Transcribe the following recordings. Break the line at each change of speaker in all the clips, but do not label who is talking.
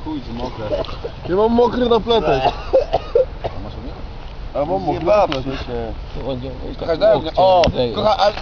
chuj, że mokre.
Ja mam mokry napletek.
Masz u mnie?
A mam mokry
Zjebawszy
napletek.
się.
Kochaj,
Kochaj, daj mnie. O, kochaj, ale...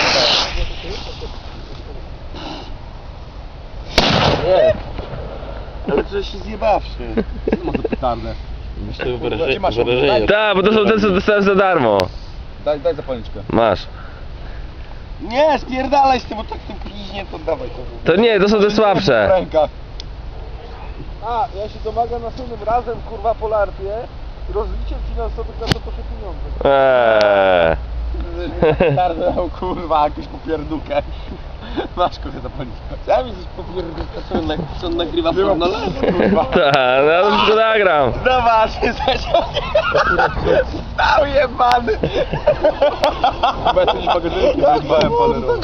Nie. Ale przecież się zjebawszy.
Co ma za petardę?
Myślę,
Gdzie masz ją? Daj,
Tak, bo to są te, co dostałem za darmo.
daj zapalniczkę.
Masz.
Nie, spierdalaj z tym, bo tak tym piźnie, to dawaj to.
To nie, to są te
W
słabsze.
rękach.
A, ja się domagam następnym razem, kurwa, Polartie, rozliciem finansowych na to proszę pieniądze.
Petardę dał, kurwa, jakąś popierdółkę. Masz, kurwa, zapalniczkę.
Sam jesteś popierdolony, co on nagrywa pornole?
Kurwa.
Tak, no ja to wszystko nagram.
Zobacz, stał jebany. Chyba jakieś magazynki wyjebałem polerą.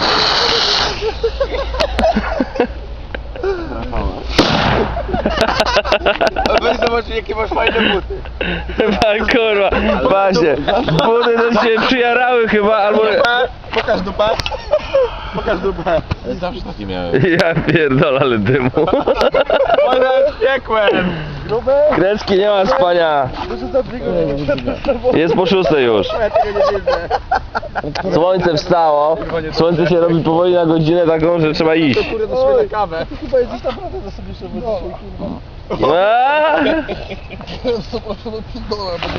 Weź zobacz, jakie masz fajne buty.
Chyba kurwa, właśnie. Buty to się przyjarały chyba, albo...
Pokaż dupę. Pokaż dupę.
Zawsze takie miałem. Ja pierdolę, ale dymu.
One piekłem.
Gruby?
Krecki, nie ma spania.
Muszę za dwie godziny.
Jest po 6 już.
Ja tego nie widzę.
Słońce wstało. Słońce się robi powoli na godzinę taką, że trzeba iść.
Kurde, to sobie na kawę.
Ty chyba jesteś naprawdę na sobie jeszcze kurwa.
Eee?
Zapraszam do pindola.